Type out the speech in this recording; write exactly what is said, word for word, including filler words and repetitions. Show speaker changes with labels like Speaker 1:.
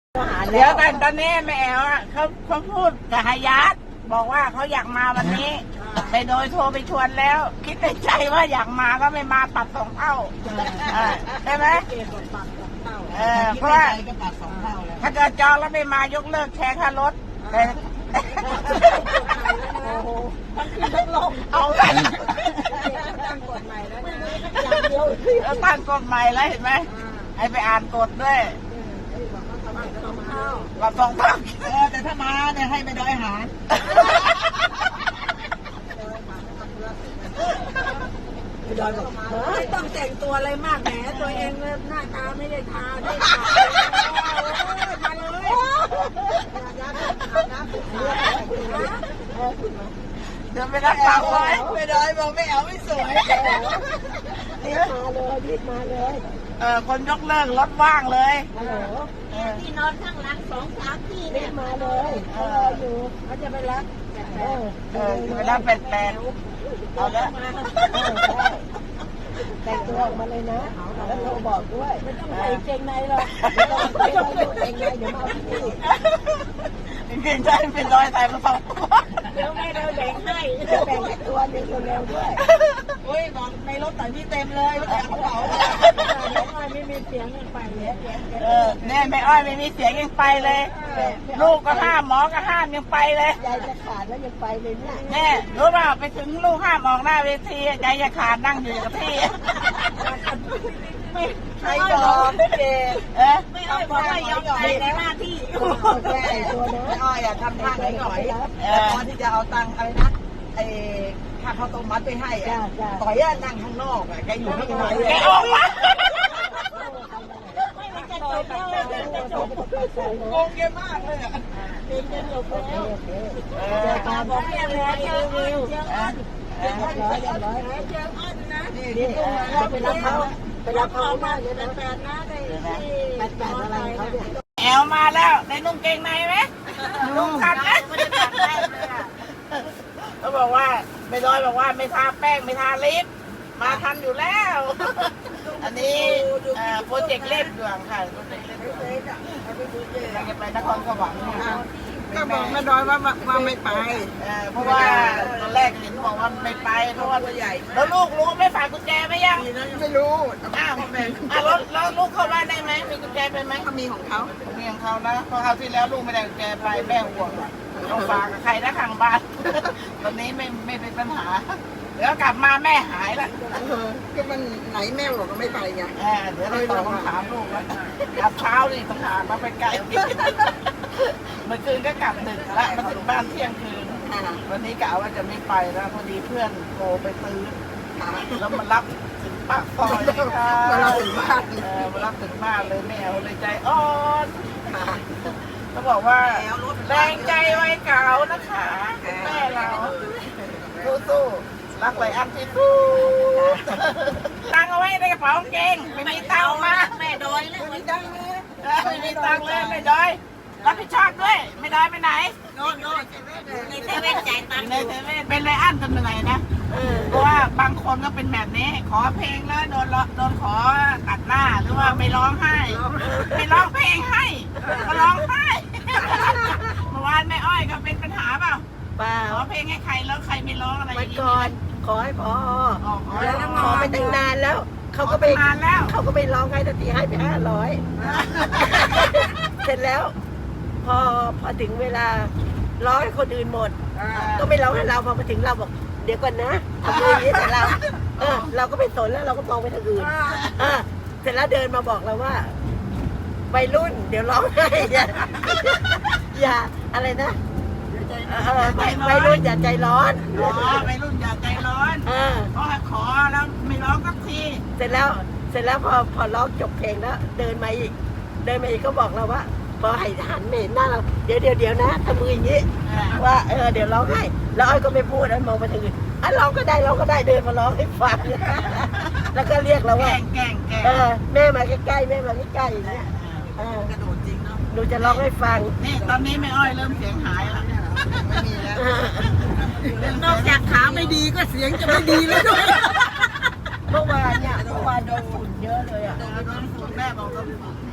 Speaker 1: เดี๋ยวกันตอนนี้แม่แอ๋วเขาเขาพูดกับฮายาตบอกว่าเขาอยากมาวันนี้ไปโดยโทรไปชวนแล้ว คิดในใจว่าอยากมาก็ไม่มาปัดสองเท่าใช่ไหมเออเพราะว่าถ้าเกิดจองแล้วไม่มายกเลิกแชร์ค่ารถแต่เอาตั้งกฎใหม่แล้วตั้งกฎใหม่แล้วเห็นไหมให้ไปอ่านกฎด้วยเราสองเท่าเออแต่ถ้ามาเนี่ยให้ไปดอยหารดอยบอกไม่ต้องแต่งตัวอะไรมากแหมตัวเองหน้าตาไม่ได้ทาได้ทามาเลยเดินไปรับปากไว้ไม่ดอยบอกไม่เอาไม่สวยรีบมาเลยรีบมาเลยเออคนยกเลิกรถว่างเลยฮัลโหลที่นอนข้างหลังสองสามที่รีบมาเลยเขารออยู่เขาจะไปรับเออเออจะไปรับแปลกๆเอาละแต่งตัวออกมาเลยนะแล้วโทรบอกด้วยไม่ต้องใส่เกงในหรอกไม่ต้องใส่เกงในเดี๋ยวมาเอาที่เกงในเป็นรอยใส่มาสองตัวเดี๋ยวแม่เราแบ่งให้แบ่งให้ตัวเดียวเร็วๆด้วยโอ้ยบอกในรถใส่พี่เต็มเลยไม่แต่กระเป๋าไม่มีเสียงยังไปเลยเออแน่ไม่อ้อยไม่มีเสียงยังไปเลยลูกก็ห้ามหมอก็ห้ามยังไปเลยใจจะขาดแล้วยังไปเลยเนี่ยแน่รู้เปล่าไปถึงลูกห้ามออกหน้าเวทีใจจะขาดนั่งอยู่กับที่ใครบอกเจ๊เอ๊ะไม่อ้อยบอกว่ายอมใจในหน้าที่แก้ตัวนะไม่อ้อยอ่ะทำทางให้หน่อยแต่ตอนที่จะเอาตังค์อะไรนะไอ้ค่าข้าวต้มมัดไปให้อ่ะต่อยนั่งข้างนอกอ่ะแกอยู่ข้างในแกออกมาโกงเยอะมากเลยอ่ะเป็นจะจบแล้วตาบอกแม่เลยเร็วเร็วเจ้าอ้อนเจ้าอ้อนเจ้าอ้อนเจ้าอ้อนนะนี่นี่ไปรับเขาไปรับเขามากเลยนะแปดนะได้แปดแปดอะไรเขาเนี่ยแอลมาแล้วในนุ่งเกงในไหมนุ่งทันนะเขาบอกว่าไม่ร้อยบอกว่าไม่ทาแป้งไม่ทาลิปมาทันอยู่แล้วอันนี้โปรเจกต์เล่นดวงค่ะโปรเจกต์เล่นดวงเราจะไปนครสวรรค์ก็บอกแม่ดอยว่าว่าไม่ไปเพราะว่าตอนแรกเห็นบอกว่าไม่ไปเพราะว่าตัวใหญ่แล้วลูกรู้ไม่ฝากกุญแจไหมยังไม่รู้อ้าวแล้วแล้วลูกเข้าบ้านได้ไหมมีกุญแจเป็นไหมเขามีของเขามีของเขานะเพราะคราวที่แล้วลูกไม่ได้กุญแจไปแม่ห่วงต้องฝากกับใครนะข้างบ้านตอนนี้ไม่ไม่เป็นปัญหาเดี๋ยวกลับมาแม่หายละก็มันไหนแม่บอกก็ไม่ไปไงเดี๋ยวเราตอบคำถามลูกแล้วกลับเช้านี่ต้องหามาไปไกลเมื่อคืนก็กลับดึกละมาถึงบ้านเที่ยงคืนวันนี้กะว่าจะไม่ไปแล้วพอดีเพื่อนโทรไปตื้อแล้วมารับถึงปากซอยเลยค่ะมารับถึงบ้านเออมารับถึงบ้านเลยแมวเลยใจอ่อนเขาบอกว่าแรงใจไว้เก่านะคะแม่เราสู้ๆรักไรอันที่สู้ตังเอาไว้ในกระเป๋ากางเกงไม่มีตังมาแม่ดอยไม่มีตังเลยไม่มีตังเลยแม่ดอยรับผิดชอบด้วยไม่ดอยไปไหนโน่นโน่นในเซเว่นจ่ายตังค์ในเซเว่นเป็นไรอันจนเหนื่อยนะเพราะว่าบางคนก็เป็นแบบนี้ขอเพลงแล้วโดนโดนขอตัดหน้าหรือว่าไม่ร้องไห้ไม่ร้องเพลงให้ก็ร้องไห้เมื่อวานแม่อ้อยก็เป็นปัญหาเปล่าขอเพลงให้ใครแล้วใครไม่ร้องอะไรอย่างนี้ก่อนขอให้พอแล้วขอไปตั้งนานแล้วเขาก็ไปนานแล้วเขาก็ไปร้องให้ทันทีให้ไปห้าร้อยเสร็จแล้วพอพอถึงเวลาร้องให้คนอื่นหมดก็ไม่ร้องให้เราพอมาถึงเราบอกเดี๋ยวก่อนนะทำอย่างนี้แต่เราเออเราก็ไปสนแล้วเราก็มองไปทางอื่นอ่าเสร็จแล้วเดินมาบอกเราว่าวัยรุ่นเดี๋ยวร้องให้อย่าอย่าอะไรนะวัยรุ่นอย่าใจร้อนอ๋อวัยรุ่นอย่าใจร้อนเพราะขอแล้วไม่ร้องสักทีเสร็จแล้วเสร็จแล้วพอพอร้องจบเพลงแล้วเดินมาอีกเดินมาอีกก็บอกเราว่าพอให้หันเมนหน้าเราเดี๋ยวเดี๋ยวเดี๋ยวนะทำมืออย่างนี้ว่าเออเดี๋ยวร้องให้แล้วอ้อยก็ไม่พูดแล้วมองไปทางอื่นอ่ะร้องก็ได้ร้องก็ได้เดินมาร้องให้ฟังแล้วก็เรียกเราว่าแกงแกงเออแม่มาใกล้ๆแม่มาใกล้ๆอย่างเงี้ยกระโดดจริงเนาะหนูจะร้องให้ฟังนี่ตอนนี้แม่อ้อยเริ่มเสียงหายแล้วไม่มีแล้วนอกจากขาไม่ดีก็เสียงจะไม่ดีแล้วด้วยเมื่อวานเนี่ยเมื่อวานโดนฝุ่นเยอะเลยอ่ะโดนฝุ่นแม่บอกว่า